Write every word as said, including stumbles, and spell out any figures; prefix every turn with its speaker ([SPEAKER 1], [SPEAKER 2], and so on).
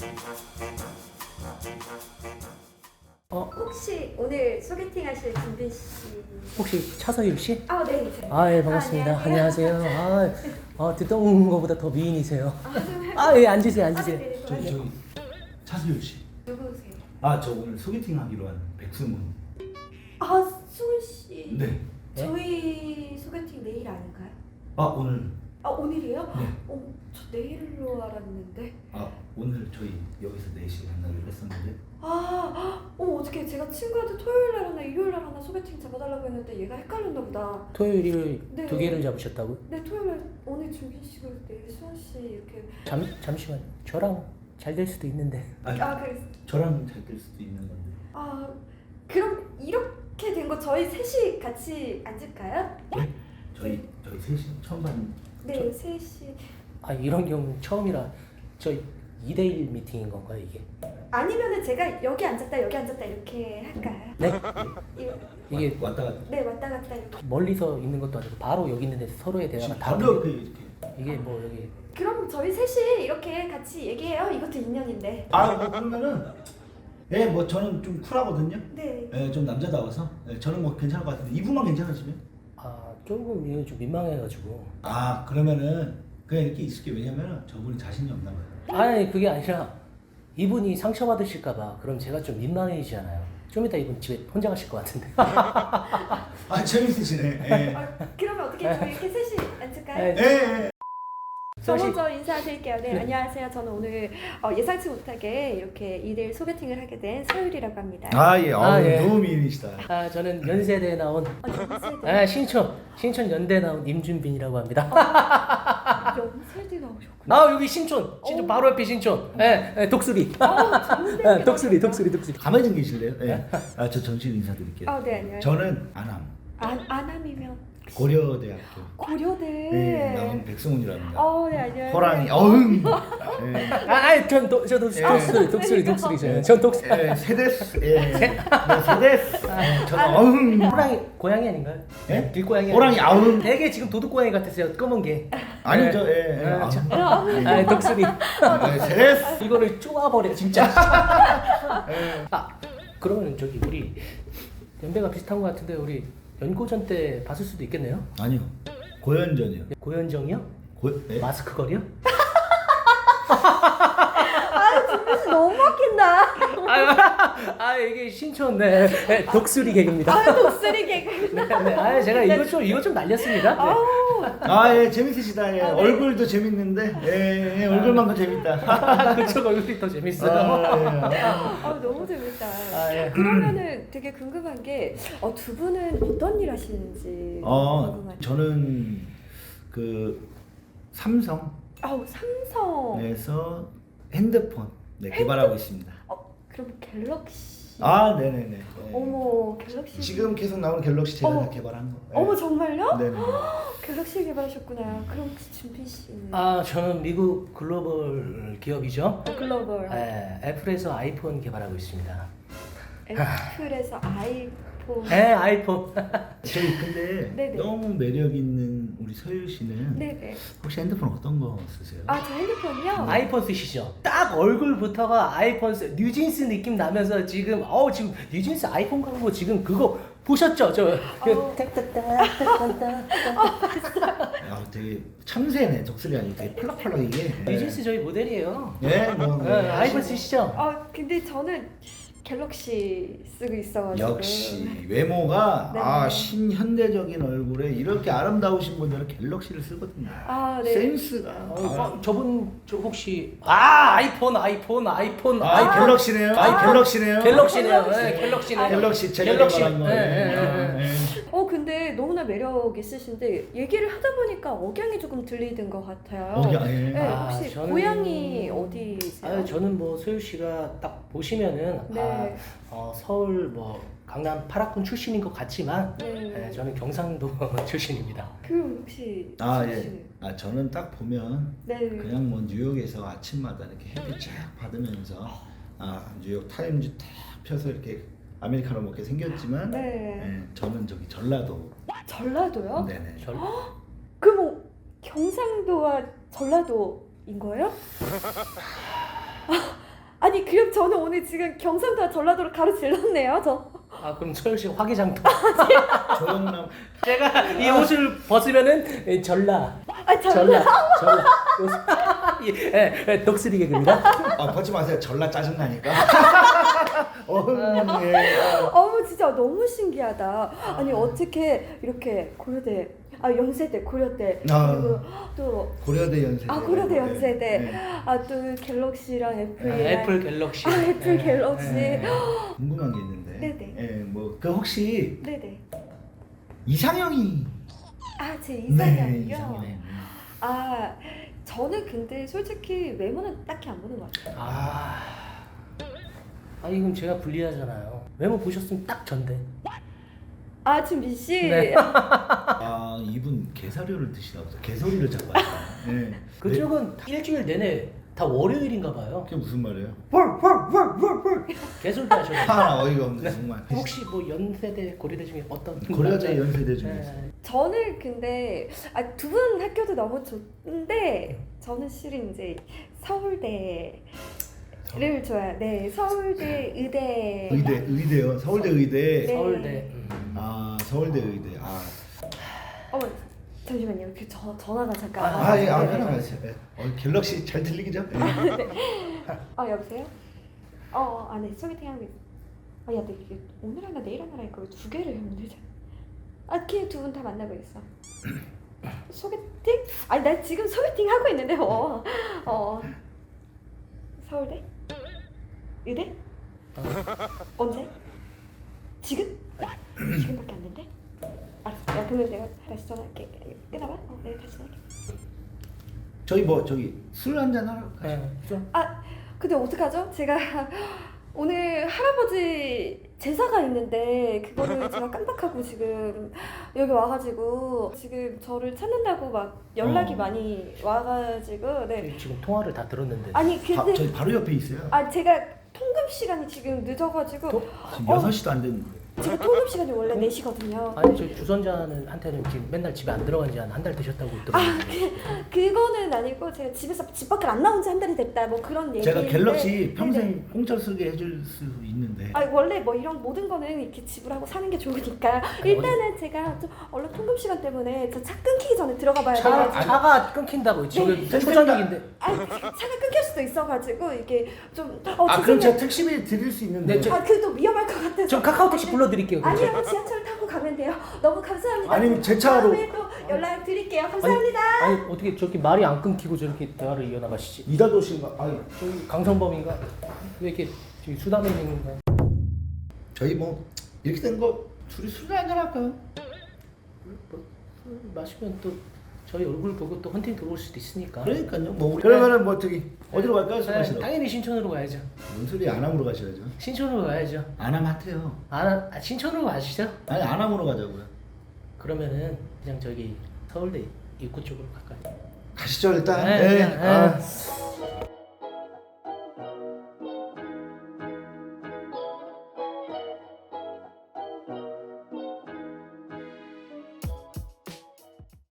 [SPEAKER 1] 어,
[SPEAKER 2] 혹시 오늘 소개팅 하실 준빈 씨?
[SPEAKER 1] 혹시 차서율 씨?
[SPEAKER 2] 아, 네.
[SPEAKER 1] 아, 예, 반갑습니다.
[SPEAKER 2] 아,
[SPEAKER 1] 안녕하세요. 아, 아, 듣던 거보다 더 미인이세요.
[SPEAKER 2] 아, 네.
[SPEAKER 1] 아, 예, 앉으세요,
[SPEAKER 2] 아,
[SPEAKER 1] 앉으세요.
[SPEAKER 2] 네, 네,
[SPEAKER 3] 저기
[SPEAKER 2] 네.
[SPEAKER 3] 저기 차수율 씨.
[SPEAKER 2] 누구세요?
[SPEAKER 3] 아, 저 오늘 소개팅 하기로 한 백승훈.
[SPEAKER 2] 아, 수은 씨.
[SPEAKER 3] 네.
[SPEAKER 2] 저희 소개팅 내일 아닌가요?
[SPEAKER 3] 아, 오늘.
[SPEAKER 2] 아, 오늘이요?
[SPEAKER 3] 네.
[SPEAKER 2] 어, 저 내일로 알았는데.
[SPEAKER 3] 아, 오늘 저희 여기서 네 시에 만나기로 했었는데.
[SPEAKER 2] 아, 어, 어떻게 제가 친구한테 토요일 날 하나 일요일 날 하나 소개팅 잡아달라고 했는데 얘가 헷갈렸나 보다.
[SPEAKER 1] 토요일, 일요일
[SPEAKER 2] 네.
[SPEAKER 1] 두 개를 잡으셨다고요?
[SPEAKER 2] 네, 토요일 날 오늘 준빈 씨가 내일 수은 씨 이렇게.
[SPEAKER 1] 잠, 잠시만. 저랑 잘 될 수도 있는데.
[SPEAKER 3] 아니,
[SPEAKER 2] 아, 그래.
[SPEAKER 3] 저랑 잘 될 수도 있는 건데.
[SPEAKER 2] 아, 그럼 이렇게 된 거 저희 셋이 같이 앉을까요?
[SPEAKER 3] 네? 저희 저희 셋이 처음 봤는.
[SPEAKER 2] 네, 셋이.
[SPEAKER 1] 아, 이런 경우 처음이라 저 이 대 일 미팅인 건가요, 이게?
[SPEAKER 2] 아니면은 제가 여기 앉았다 여기 앉았다 이렇게 할까요?
[SPEAKER 1] 네?
[SPEAKER 2] 이거,
[SPEAKER 1] 이게
[SPEAKER 3] 왔다 갔다.
[SPEAKER 2] 네, 왔다 갔다 이렇게.
[SPEAKER 1] 멀리서 있는 것도 아니고 바로 여기 있는데 서로의 대화가
[SPEAKER 3] 지금
[SPEAKER 1] 다
[SPEAKER 3] 바로 옆에 이렇게.
[SPEAKER 1] 이게 뭐 여기
[SPEAKER 2] 그럼 저희 셋이 이렇게 같이 얘기해요. 이것도 인연인데.
[SPEAKER 3] 아, 뭐 그러면은 예, 뭐 저는 좀 쿨하거든요.
[SPEAKER 2] 네.
[SPEAKER 3] 예, 좀 남자다워서. 예, 저는 뭐 괜찮을 것 같은데 이분만 괜찮으시면?
[SPEAKER 1] 아, 조금 이거 좀 민망해가지고.
[SPEAKER 3] 아, 그러면은 그냥 이렇게 있을게. 왜냐면은 저분이 자신이 없나 봐요.
[SPEAKER 1] 아니 그게 아니라 이분이 상처받으실까봐 그럼 제가 좀 민망해지잖아요. 좀 이따 이분 집에 혼자 가실 것 같은데.
[SPEAKER 3] 아, 재밌으시네. 예.
[SPEAKER 2] 아, 그러면 어떻게 저희 이렇게 셋이 앉을까요?
[SPEAKER 1] 네.
[SPEAKER 3] 예, 예.
[SPEAKER 2] 저
[SPEAKER 1] 수은 씨.
[SPEAKER 2] 먼저 인사드릴게요. 네,
[SPEAKER 1] 네.
[SPEAKER 2] 안녕하세요. 저는 오늘 어, 예상치 못하게 이렇게 이 대 일 소개팅을 하게 된 서율이라고 합니다.
[SPEAKER 3] 아, 예.
[SPEAKER 1] 아, 예.
[SPEAKER 3] 너무 미인이시다.
[SPEAKER 1] 아, 저는 연세대에 나온
[SPEAKER 2] 아, 연세대.
[SPEAKER 1] 아, 신촌 신촌 연대 나온 임준빈이라고 합니다.
[SPEAKER 2] 연세대 나오셨구나.
[SPEAKER 1] 아, 여기 신촌 신촌
[SPEAKER 2] 오.
[SPEAKER 1] 바로 옆에 신촌. 예, 예, 독수리.
[SPEAKER 2] 아, 좋은데.
[SPEAKER 1] 예, 독수리 독수리 독수리.
[SPEAKER 3] 가만히 좀 계실래요? 예. 아, 저 정식 인사드릴게요.
[SPEAKER 2] 아, 네, 안녕하세요.
[SPEAKER 3] 저는 안암
[SPEAKER 2] 안, 안암이면
[SPEAKER 3] 고려대학교
[SPEAKER 2] 고려대.
[SPEAKER 3] 예, 나온 백승훈이랍니다.
[SPEAKER 2] 어, 네, 안녕하세요.
[SPEAKER 3] 호랑이 어흥. 예.
[SPEAKER 1] 아, 아니 전저 독수리 독수리 독수리 저는 전 독수리.
[SPEAKER 3] 예, 세대스. 예. 네, 세대스. 예, 저는 어흥.
[SPEAKER 1] 호랑이 고양이 아닌가요?
[SPEAKER 3] 예?
[SPEAKER 1] 길고양이.
[SPEAKER 3] 호랑이 아웅.
[SPEAKER 1] 되게 지금 도둑 고양이 같으세요. 검은 게.
[SPEAKER 3] 아니죠.
[SPEAKER 1] 예.
[SPEAKER 3] 예. 예.
[SPEAKER 1] 아,
[SPEAKER 3] 아웅.
[SPEAKER 1] 저-
[SPEAKER 2] 아,
[SPEAKER 1] 아, 독수리.
[SPEAKER 3] 네, 세대스.
[SPEAKER 1] 이거를 쪼아버려 진짜. 아, 그러면 저기 우리 연배가 비슷한 것 같은데 우리 연고전 때 봤을 수도 있겠네요.
[SPEAKER 3] 아니요. 고연전이요.
[SPEAKER 1] 고현정이요?
[SPEAKER 3] 고 예?
[SPEAKER 1] 마스크 거리요?
[SPEAKER 2] 준빈씨 너무 웃긴다.
[SPEAKER 1] 아, 아 이게 신촌 네, 네 독수리 개그입니다.
[SPEAKER 2] 아, 독수리 개그.
[SPEAKER 1] 네, 네. 아 제가 이거 좀 이거 좀 날렸습니다. 네.
[SPEAKER 2] 아우,
[SPEAKER 3] 아, 예, 재밌으시다. 예.
[SPEAKER 2] 아, 네.
[SPEAKER 3] 얼굴도 재밌는데, 예, 예, 얼굴만 더 재밌다.
[SPEAKER 1] 그쪽 얼굴이 더 재밌어요.
[SPEAKER 3] 아, 예.
[SPEAKER 2] 아, 너무 재밌다.
[SPEAKER 1] 아, 예.
[SPEAKER 2] 그러면은 되게 궁금한 게, 어, 두 분은 어떤 일 하시는지
[SPEAKER 3] 어,
[SPEAKER 2] 궁금하네요.
[SPEAKER 3] 저는 그 삼성에서
[SPEAKER 2] 아우, 삼성.
[SPEAKER 3] 핸드폰 네, 개발하고 있습니다.
[SPEAKER 2] 어, 그럼 갤럭시.
[SPEAKER 3] 아, 네네네. 네.
[SPEAKER 2] 어머, 갤럭시.
[SPEAKER 3] 지금 계속 나오는 갤럭시 제가
[SPEAKER 2] 어머.
[SPEAKER 3] 다 개발한 거. 네.
[SPEAKER 2] 어머, 정말요?
[SPEAKER 3] 네네.
[SPEAKER 2] 갤럭시 개발하셨구나. 그럼 혹시 준빈 씨는?
[SPEAKER 1] 아 저는 미국 글로벌 기업이죠.
[SPEAKER 2] 글로벌.
[SPEAKER 1] 네, 애플에서 아이폰 개발하고 있습니다.
[SPEAKER 2] 애플에서 아이폰.
[SPEAKER 1] 네, 아이폰.
[SPEAKER 3] 저희 근데
[SPEAKER 2] 네네.
[SPEAKER 3] 너무 매력 있는 우리 서율 씨는
[SPEAKER 2] 네네.
[SPEAKER 3] 혹시 핸드폰 어떤 거 쓰세요?
[SPEAKER 2] 아, 저 핸드폰이요?
[SPEAKER 1] 아이폰 쓰시죠? 딱 얼굴부터가 아이폰 쓰, 뉴진스 느낌 나면서 지금 어우 지금 뉴진스 아이폰 광고 지금 그거 보셨죠? 저 그,
[SPEAKER 2] 어.
[SPEAKER 3] 아, 되게 참새네. 독수리 아니고 되게 펄럭펄럭 이게.
[SPEAKER 1] 뉴진스 저희 모델이에요.
[SPEAKER 3] 예, 뭐.
[SPEAKER 1] 네, 아이폰 쓰시죠?
[SPEAKER 2] 아, 근데 저는 갤럭시 쓰고 있어가지고.
[SPEAKER 3] 역시 외모가
[SPEAKER 2] 네.
[SPEAKER 3] 아 신현대적인 얼굴에 이렇게 아름다우신 분들은 갤럭시를 쓰거든요.
[SPEAKER 2] 아, 네.
[SPEAKER 3] 센스가.
[SPEAKER 1] 어, 어, 저분 저 혹시 아 아이폰 아이폰 아이폰
[SPEAKER 3] 아,
[SPEAKER 1] 아이폰
[SPEAKER 3] 갤럭시네요. 아, 갤럭시네요.
[SPEAKER 1] 갤럭시네요.
[SPEAKER 2] 갤럭시.
[SPEAKER 1] 네, 갤럭시네요.
[SPEAKER 3] 갤럭시 제가
[SPEAKER 1] 갤럭시.
[SPEAKER 3] 개발한 거.
[SPEAKER 1] 네, 네, 네, 네.
[SPEAKER 2] 어, 근데 너무나 매력 있으신데 얘기를 하다 보니까 억양이 조금 들리는 것 같아요.
[SPEAKER 3] 억양, 예.
[SPEAKER 2] 네,
[SPEAKER 1] 아,
[SPEAKER 2] 혹시
[SPEAKER 1] 저는-
[SPEAKER 2] 고향이 어디세요?
[SPEAKER 1] 아 저는 뭐 소유 씨가 딱 보시면은
[SPEAKER 2] 네.
[SPEAKER 1] 아 어, 서울 뭐 강남 팔학군 출신인 것 같지만
[SPEAKER 2] 네.
[SPEAKER 1] 네, 저는 경상도 출신입니다.
[SPEAKER 2] 그 혹시
[SPEAKER 3] 아,
[SPEAKER 2] 혹시-
[SPEAKER 3] 예. 아, 저는 딱 보면
[SPEAKER 2] 네.
[SPEAKER 3] 그냥 뭐 뉴욕에서 아침마다 이렇게 햇빛 쫙 받으면서 아, 뉴욕 타임즈 탁 펴서 이렇게 아메리카노 먹게 생겼지만
[SPEAKER 2] 네.
[SPEAKER 3] 예, 저는 저기 전라도.
[SPEAKER 2] 전라도요?
[SPEAKER 3] 네네.
[SPEAKER 1] 절,
[SPEAKER 2] 그럼 뭐 경상도와 전라도인 거예요? 아니 그럼 저는 오늘 지금 경상도와 전라도를 가로질렀네요 저.
[SPEAKER 1] 아 그럼 소영 씨 화개장터.
[SPEAKER 3] 조영남
[SPEAKER 1] 제가 이 옷을 벗으면은 전라.
[SPEAKER 2] 아
[SPEAKER 1] 전라.
[SPEAKER 2] 전라.
[SPEAKER 1] 전라. 예, 예, 예, 독수리 개그입니다.
[SPEAKER 3] 아 벗지 마세요. 전라 짜증 나니까. 어, 예.
[SPEAKER 2] 어머 진짜 너무 신기하다. 아니 어떻게 이렇게 고려대, 아 연세대, 고려대,
[SPEAKER 3] 아.
[SPEAKER 2] 그리고 또
[SPEAKER 3] 고려대 연세대.
[SPEAKER 2] 아 고려대 연세대,
[SPEAKER 3] 네.
[SPEAKER 2] 아 또 갤럭시랑
[SPEAKER 1] 아,
[SPEAKER 2] 애플이랑
[SPEAKER 1] 애플 갤럭시.
[SPEAKER 2] 아 애플
[SPEAKER 1] 예,
[SPEAKER 2] 갤럭시.
[SPEAKER 1] 예.
[SPEAKER 3] 궁금한 게 있는데.
[SPEAKER 2] 네네.
[SPEAKER 3] 예, 뭐 그 혹시
[SPEAKER 2] 네네.
[SPEAKER 3] 이상형이
[SPEAKER 2] 아 제
[SPEAKER 3] 네,
[SPEAKER 2] 이상형이요.
[SPEAKER 3] 이상형.
[SPEAKER 2] 아 저는 근데 솔직히 외모는 딱히 안 보는 것 같아요.
[SPEAKER 1] 아. 아 이건 제가 불리하잖아요. 외모 보셨으면 딱 전데.
[SPEAKER 2] 아 준빈 씨.
[SPEAKER 1] 네.
[SPEAKER 3] 아 이분 개사료를 드시나 보다. 개소리를 자꾸 하시네. 예.
[SPEAKER 1] 그쪽은 일주일 내내 다 월요일인가 봐요.
[SPEAKER 3] 그게 무슨 말이에요?
[SPEAKER 1] 개소리 하셔요.
[SPEAKER 3] 아 어이가 없네 정말.
[SPEAKER 1] 혹시 뭐 연세대 고려대 중에 어떤
[SPEAKER 3] 고려대 연세대 중에서.
[SPEAKER 1] 네.
[SPEAKER 2] 저는 근데 아, 두 분 학교도 너무 좋은데 저는 실은 이제 서울대를 좋아해요. 네, 서울대 의대.
[SPEAKER 3] 의대 의대요. 서울대 의대.
[SPEAKER 2] 네.
[SPEAKER 1] 서울대. 음.
[SPEAKER 3] 아 서울대 의대. 아.
[SPEAKER 2] 어머 잠시만요. 그 저, 전화가 잠깐.
[SPEAKER 1] 아,
[SPEAKER 3] 아, 예, 아,
[SPEAKER 1] 네, 네,
[SPEAKER 3] 편하게
[SPEAKER 1] 네.
[SPEAKER 3] 하세요. 예. 어, 갤럭시 잘 들리기죠? 예.
[SPEAKER 2] 아 여보세요? 어, 어, 아, 네, 소개팅 하고 있어. 아, 야, 너 이게 오늘 하나 내일 하나 하니까 왜 두 개를 했는데? 아, 걔 두 분 다 만나고 있어. 소개팅? 아니, 나 지금 소개팅 하고 있는데, 어, 어. 서울대? 의대? 언제? 지금? 지금밖에 안 된대? 알았어. 야, 그러면 내가 다시 전화할게. 끊어봐. 어, 내가 다시 전화할게.
[SPEAKER 3] 저희 뭐 저기 술 한잔 하러 가시죠.
[SPEAKER 1] 네, 좀
[SPEAKER 2] 아, 근데 어떡하죠? 제가 오늘 할아버지 제사가 있는데 그거를 제가 깜빡하고 지금 여기 와가지고 지금 저를 찾는다고 막 연락이
[SPEAKER 3] 어.
[SPEAKER 2] 많이 와가지고 네.
[SPEAKER 1] 지금 통화를 다 들었는데.
[SPEAKER 2] 아니
[SPEAKER 3] 바,
[SPEAKER 2] 근데
[SPEAKER 3] 저희 바로 옆에 있어요.
[SPEAKER 2] 아 제가 통금 시간이 지금 늦어가지고
[SPEAKER 1] 또?
[SPEAKER 3] 지금
[SPEAKER 2] 어.
[SPEAKER 3] 여섯 시도 안 됐는데.
[SPEAKER 2] 지금 통금 시간이 원래 네 시거든요.
[SPEAKER 1] 아니 저 주선자는 한테는 지금 맨날 집에 안 들어간 지 한 한 달 되셨다고
[SPEAKER 2] 아,
[SPEAKER 1] 들었는데.
[SPEAKER 2] 그, 그거는 아니고 제가 집에서 집 밖을 안 나온 지 한 달이 됐다 뭐 그런 얘기.
[SPEAKER 3] 제가 갤럭시 평생 공짜로 쓰게 해줄 수 있는데.
[SPEAKER 2] 아 원래 뭐 이런 모든 거는 이렇게 지불하고 사는 게 좋으니까 일단은 제가 좀 얼른 통금 시간 때문에 저 차 끊기기 전에 들어가 봐야
[SPEAKER 1] 차,
[SPEAKER 2] 돼가지고
[SPEAKER 1] 차가 끊긴다고 저게
[SPEAKER 2] 네.
[SPEAKER 1] 초저녁인데.
[SPEAKER 2] 아 차가 끊길 수도 있어가지고 이게 좀 어,
[SPEAKER 3] 아 그럼
[SPEAKER 2] 죄송해요.
[SPEAKER 3] 제가 택시비 드릴 수 있는데.
[SPEAKER 1] 네, 저-
[SPEAKER 2] 아 그래도 위험할 것 같아서
[SPEAKER 1] 좀 카카오 택시 불러드릴게요. 그럼
[SPEAKER 2] 아니요
[SPEAKER 1] 제가.
[SPEAKER 2] 지하철 타고 가면 돼요. 너무 감사합니다.
[SPEAKER 3] 아니면 제 차로.
[SPEAKER 2] 다음에 또 연락 드릴게요. 감사합니다.
[SPEAKER 1] 아니, 아니 어떻게 저렇게 말이 안 끊기고 저렇게 대화를 이어나가시지?
[SPEAKER 3] 이다도신가? 아니
[SPEAKER 1] 저기 강성범인가? 왜 이렇게 저기 수다맨인가?
[SPEAKER 3] 저희 뭐 이렇게 된 거 둘이 술 한잔 할까요?
[SPEAKER 1] 뭐, 술 마시면 또 저희 얼굴 보고 또 헌팅 들어올 수도 있으니까.
[SPEAKER 3] 그러니까요. 뭐 그러면은 뭐 저기 어디로 갈까요? 술
[SPEAKER 1] 네,
[SPEAKER 3] 마시러.
[SPEAKER 1] 당연히 신촌으로 가야죠.
[SPEAKER 3] 뭔 소리 안암으로 가셔야죠.
[SPEAKER 1] 신촌으로 가야죠.
[SPEAKER 3] 안암 핫해요.
[SPEAKER 1] 아, 아 신촌으로 가시죠?
[SPEAKER 3] 아니 안암으로 가자고요.
[SPEAKER 1] 그러면은 그냥 저기 서울대 입구 쪽으로 갈까요?
[SPEAKER 3] 가시죠 일단.
[SPEAKER 1] 네,
[SPEAKER 3] 네.
[SPEAKER 1] 네,
[SPEAKER 3] 아.
[SPEAKER 1] 네.